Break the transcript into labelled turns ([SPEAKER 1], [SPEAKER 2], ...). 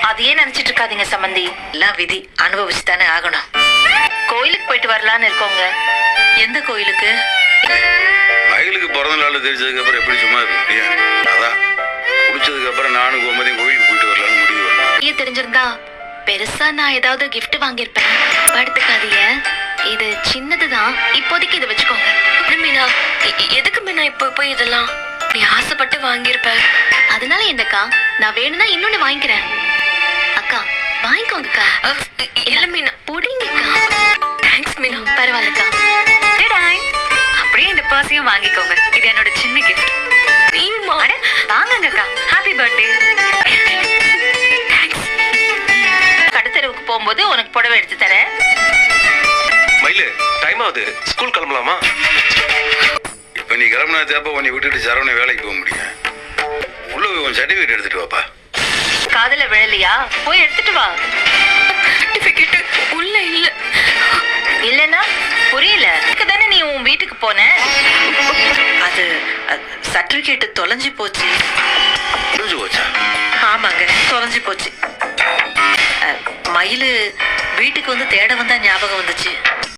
[SPEAKER 1] அதையே நினைச்சிட்டு இருக்காதீங்க சம்பந்தி.
[SPEAKER 2] எல்லாம் விதி, அனுபவிச்சுதானே ஆகணும்.
[SPEAKER 1] கோயிலுக்கு போயிட்டு வரலான்னு இருக்கோங்க.
[SPEAKER 2] எந்த கோயிலுக்கு?
[SPEAKER 3] மயிலுக்கு பிறந்த நாள் தெரிஞ்சதுக்கு அப்புறம் எப்படி சும்மா இருப்பியா? அதான் குடிச்சதுக்கு அப்புறம் நானும் கோமதியும் கோயிலுக்கு போயிட்டு வரலான்னு முடிவு வரலாம்.
[SPEAKER 1] தெரிஞ்சிருந்தா பெருசா நான் ஏதாவது கிஃப்ட் வாங்கியிருப்பேன். படுத்துக்காதீங்க, இது சின்னதுதான். இப்போதைக்கு இதை வச்சுக்கோங்க. மீனா, எதுக்கு மீனா இப்போ போய் இதெல்லாம்? நீ ஆசைப்பட்டு வாங்கியிருப்ப, அதனால என்னக்கா, நான் வேணும்னா இன்னொன்னு வாங்கிக்கிறேன். அக்கா வாங்கிக்கோங்கக்கா. இல்ல மீனா, புடிங்கக்கா. தேங்க்ஸ் மீனா. பரவாயில்லக்கா. அப்படியே இந்த பர்ஸையும் வாங்கிக்கோங்க. இது என்னோட சின்ன கிஃப்ட். வாங்கங்கக்கா. Happy birthday. கடுத்தெருவுக்கு போகும்போது உனக்கு புடவை எடுத்து தரேன்.
[SPEAKER 4] மயிலு, டைம் ஆகுது, ஸ்கூல் கிளம்பலாமா?
[SPEAKER 3] இப்ப நீ கிளம்புனா தேப்ப உன்னை விட்டுட்டு சரவண வேலைக்கு போக முடியும். உள்ள போய் உன் சர்டிபிகேட் எடுத்துட்டு வாப்பா.
[SPEAKER 1] காதல விழலையா? போய் எடுத்துட்டு வா. சர்டிபிகேட் உள்ள இல்ல. இல்லனா புரியல. தானே நீ உன் வீட்டுக்கு போன.
[SPEAKER 2] அது சர்டிபிகேட் தொலைஞ்சு போச்சு.
[SPEAKER 3] புரிஞ்சு போச்சா?
[SPEAKER 2] ஆமாங்க, தொலைஞ்சு போச்சு. மயிலு வீட்டுக்கு வந்து தேட வந்தா ஞாபகம் வந்துச்சு.